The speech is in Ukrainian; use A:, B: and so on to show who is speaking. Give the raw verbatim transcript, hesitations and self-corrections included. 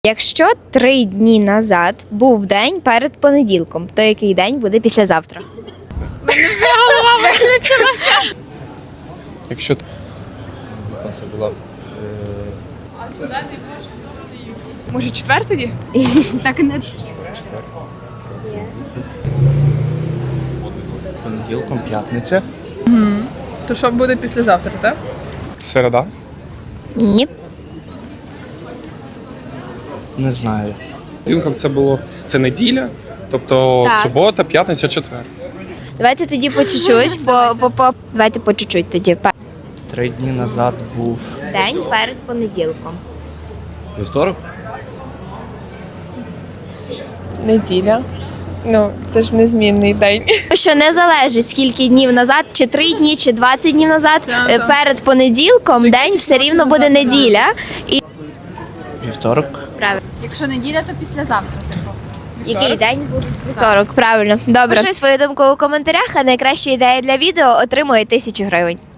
A: Якщо три дні назад був день перед понеділком, то який день буде післязавтра?
B: Мене вже голова виключилася.
C: Якщо це була
B: Може, четвер тоді? Так не
C: понеділком, п'ятниця.
B: то що буде післязавтра, так?
C: Середа.
A: Ні.
C: Не знаю.
D: Понеділком це було це неділя, тобто
A: Так.
D: субота, п'ятниця, четвер.
A: Давайте тоді по чуть-чуть, по, по, по... давайте по чуть-чуть тоді. Пе-
C: Три дні назад був
A: День перед понеділком.
C: вівторок.
B: Неділя. Ну, це ж незмінний день.
A: Що не залежить скільки днів назад, чи три дні, чи двадцять днів назад,
B: Так,
A: е,
B: так.
A: перед понеділком день все рівно буде неділя. І
C: Вівторок.
A: правильно.
E: Якщо неділя, то післязавтра, типу.
A: Який день буде? Вівторок, правильно. Добре. Пиши свою думку у коментарях, а найкраща ідея для відео отримує тисячу гривень.